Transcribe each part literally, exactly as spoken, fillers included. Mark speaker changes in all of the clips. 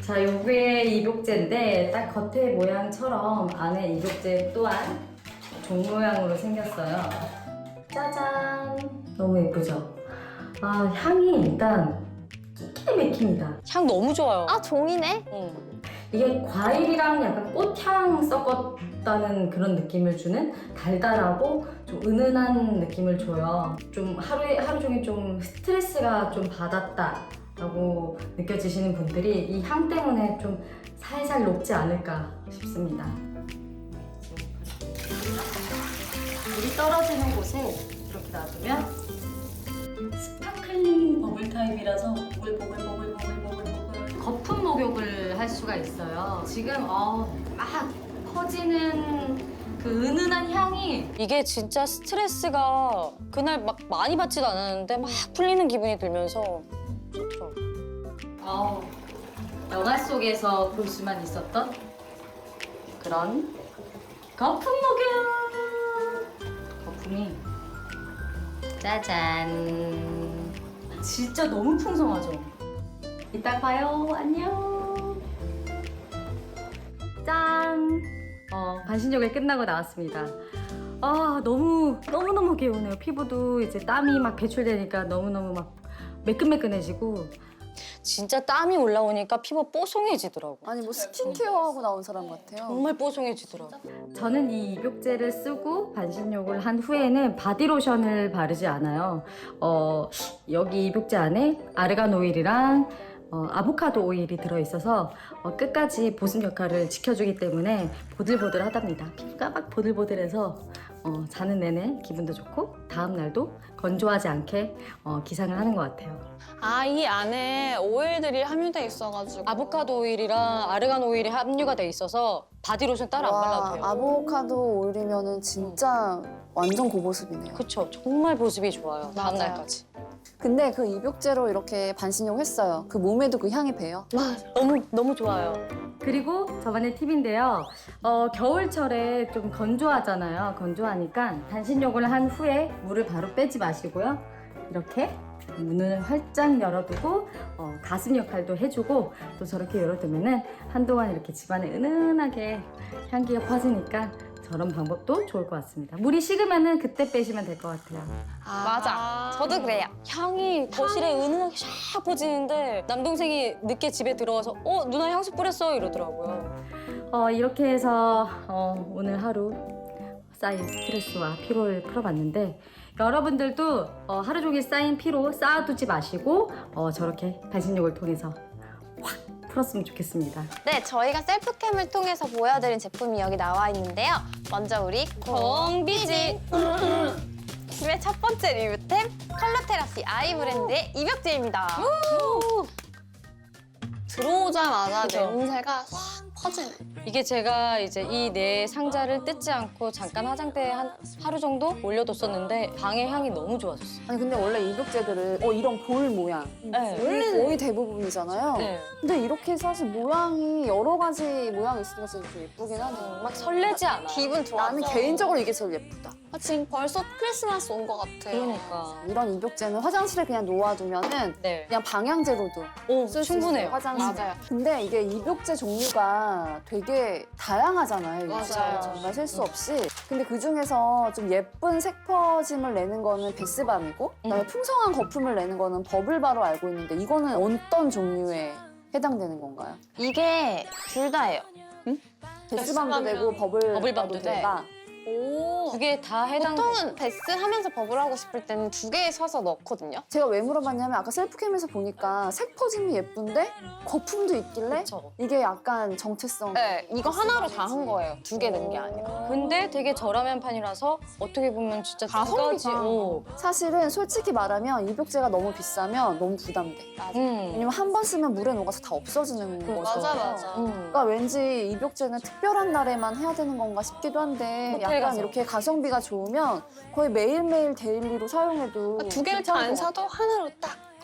Speaker 1: 자, 요게 입욕제인데 딱 겉에 모양처럼 안에 입욕제 또한 종 모양으로 생겼어요. 짜잔! 너무 예쁘죠? 아, 향이 일단 끼끼 맥힙니다.
Speaker 2: 향 너무 좋아요.
Speaker 3: 아, 종이네?
Speaker 2: 응.
Speaker 1: 이게 과일이랑 약간 꽃향 섞었다는 그런 느낌을 주는 달달하고 좀 은은한 느낌을 줘요. 좀 하루에, 하루 종일 좀 스트레스가 좀 받았다라고 느껴지시는 분들이 이 향 때문에 좀 살살 녹지 않을까 싶습니다. 물이 떨어지는 곳에 이렇게 놔두면 스파클링 버블 타입이라서 보글보글보글보글보글 거품 목욕을 할 수가 있어요. 지금 어, 막 퍼지는 그 은은한 향이
Speaker 2: 이게 진짜 스트레스가 그날 막 많이 받지도 않았는데 막 풀리는 기분이 들면서 좋죠.
Speaker 1: 어, 영화 속에서 볼 수만 있었던 그런 거품 목욕! 거품이 짜잔! 진짜 너무 풍성하죠? 이따 봐요. 안녕. 짠. 어, 반신욕이 끝나고 나왔습니다. 아, 너무 너무너무 개운해요. 피부도 이제 땀이 막 배출되니까 너무너무 막 매끈매끈해지고.
Speaker 2: 진짜 땀이 올라오니까 피부 뽀송해지더라고.
Speaker 4: 아니 뭐 스킨케어하고 나온 사람 같아요.
Speaker 2: 정말 뽀송해지더라고.
Speaker 1: 저는 이 입욕제를 쓰고 반신욕을 한 후에는 바디로션을 바르지 않아요. 어, 여기 입욕제 안에 아르간 오일이랑 어, 아보카도 오일이 들어있어서 어, 끝까지 보습 역할을 지켜주기 때문에 보들보들하답니다. 피부가 막 보들보들해서 어, 자는 내내 기분도 좋고 다음 날도 건조하지 않게 어, 기상을 하는 것 같아요.
Speaker 5: 아, 이 안에 오일들이 함유돼 있어가지고.
Speaker 2: 아보카도 오일이랑 아르간 오일이 함유가 돼 있어서 바디로션 따로 안 발라도 돼요.
Speaker 4: 아보카도 오일이면은 진짜 완전 고보습이네요.
Speaker 2: 그쵸. 정말 보습이 좋아요. 다음
Speaker 5: 맞아요.
Speaker 2: 날까지.
Speaker 4: 근데 그 입욕제로 이렇게 반신욕 했어요. 그 몸에도 그 향이 배요.
Speaker 2: 너무 너무 좋아요.
Speaker 1: 그리고 저만의 팁인데요. 어, 겨울철에 좀 건조하잖아요. 건조하니까 반신욕을 한 후에 물을 바로 빼지 마시고요. 이렇게 문을 활짝 열어두고 어, 가습 역할도 해주고 또 저렇게 열어두면은 한동안 이렇게 집안에 은은하게 향기가 퍼지니까 저런 방법도 좋을 것 같습니다. 물이 식으면은 그때 빼시면 될 것 같아요.
Speaker 5: 맞아. 저도 그래요.
Speaker 2: 향이 거실에 은은하게 샥 퍼지는데 남동생이 늦게 집에 들어와서 어 누나 향수 뿌렸어 이러더라고요.
Speaker 1: 어, 이렇게 해서 어, 오늘 하루 쌓인 스트레스와 피로를 풀어봤는데 여러분들도 어, 하루 종일 쌓인 피로 쌓아두지 마시고 어, 저렇게 반신욕을 통해서 확 풀었으면 좋겠습니다.
Speaker 3: 네, 저희가 셀프캠을 통해서 보여드린 제품이 여기 나와 있는데요. 먼저 우리 공비지! 김의 첫 번째 리뷰템 컬러 테라피 아이 브랜드의 입욕제입니다.
Speaker 5: 들어오자마자
Speaker 2: 그죠?
Speaker 5: 냄새가 확 퍼지네.
Speaker 2: 이게 제가 이제 이 네 상자를 뜯지 않고 잠깐 화장대에 한 하루 정도 올려뒀었는데 방의 향이 너무 좋아졌어요.
Speaker 4: 아니 근데 원래 입욕제들은 어 이런 볼 모양
Speaker 2: 네.
Speaker 4: 원래 거의 대부분이잖아요.
Speaker 2: 네.
Speaker 4: 근데 이렇게 사실 모양이 여러 가지 모양이 있으니까 진짜 좀 예쁘긴 하네요.
Speaker 2: 막 설레지 않아.
Speaker 5: 기분 좋아.
Speaker 4: 나는 개인적으로 이게 제일 예쁘다.
Speaker 5: 아, 지금 벌써 크리스마스 온 것 같아.
Speaker 2: 그러니까.
Speaker 4: 이런 입욕제는 화장실에 그냥 놓아두면은
Speaker 2: 네.
Speaker 4: 그냥 방향제로도
Speaker 2: 오
Speaker 4: 쓸 수
Speaker 2: 충분해요.
Speaker 4: 있어요, 화장실.
Speaker 5: 맞아요.
Speaker 4: 근데 이게 입욕제 종류가 되게 다양하잖아요.
Speaker 5: 맞아요.
Speaker 4: 진짜 정말 셀 수 없이. 근데 그 중에서 좀 예쁜 색퍼짐을 내는 거는 베스밤이고 그다음에
Speaker 2: 음.
Speaker 4: 풍성한 거품을 내는 거는 버블바로 알고 있는데 이거는 어떤 종류에 해당되는 건가요?
Speaker 3: 이게 둘 다예요.
Speaker 4: 베스밤도
Speaker 5: 베스밤이랑
Speaker 4: 되고 버블바도
Speaker 2: 버블밤도 돼.
Speaker 4: 되다.
Speaker 5: 오.
Speaker 2: 두 개 다 해당.
Speaker 5: 보통은 베스 하면서 버블하고 싶을 때는 두 개 서서 넣거든요.
Speaker 4: 제가 왜 물어봤냐면 아까 셀프캠에서 보니까 색퍼짐이 예쁜데 거품도 있길래
Speaker 2: 그쵸.
Speaker 4: 이게 약간 정체성.
Speaker 5: 네, 이거 하나로 다 한 거예요. 두 개 넣은 게 아니라.
Speaker 2: 근데 되게 저렴한 판이라서 어떻게 보면 진짜 두 가지.
Speaker 5: 가성비가.
Speaker 2: 오.
Speaker 4: 사실은 솔직히 말하면 입욕제가 너무 비싸면 너무 부담돼.
Speaker 2: 음.
Speaker 4: 왜냐면 한 번 쓰면 물에 녹아서 다 없어지는 거죠.
Speaker 5: 맞아, 맞아.
Speaker 2: 음.
Speaker 4: 그러니까 왠지 입욕제는 특별한 날에만 해야 되는 건가 싶기도 한데
Speaker 2: 호텔
Speaker 4: 약간
Speaker 2: 가서.
Speaker 4: 이렇게 가성비가 좋으면 거의 매일매일 데일리로 사용해도
Speaker 5: 두 개를 다 안 사도 하나로 딱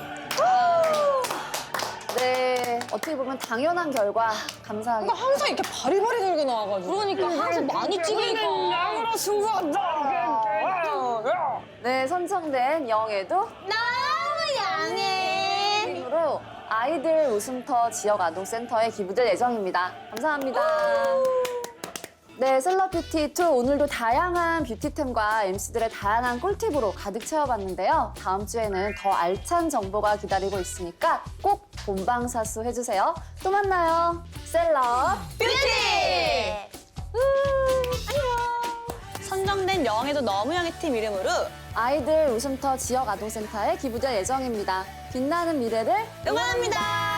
Speaker 4: 네, 어떻게 보면 당연한 결과 감사합니다.
Speaker 5: 항상 이렇게 바리바리 들고 나와가지고.
Speaker 2: 그러니까 항상 많이 찍으니까.
Speaker 4: 네, 선정된 영애도
Speaker 3: 너무 양해.
Speaker 4: 팀으로 아이들 웃음터 지역아동센터에 기부될 예정입니다. 감사합니다. 네, 셀럽뷰티 투 오늘도 다양한 뷰티템과 엠씨들의 다양한 꿀팁으로 가득 채워봤는데요. 다음 주에는 더 알찬 정보가 기다리고 있으니까 꼭 본방사수 해주세요. 또 만나요. 셀럽
Speaker 3: 뷰티.
Speaker 6: 선정된 영에도 너무 영의 팀 이름으로
Speaker 4: 아이들 웃음터 지역아동센터에 기부될 예정입니다. 빛나는 미래를
Speaker 6: 응원합니다.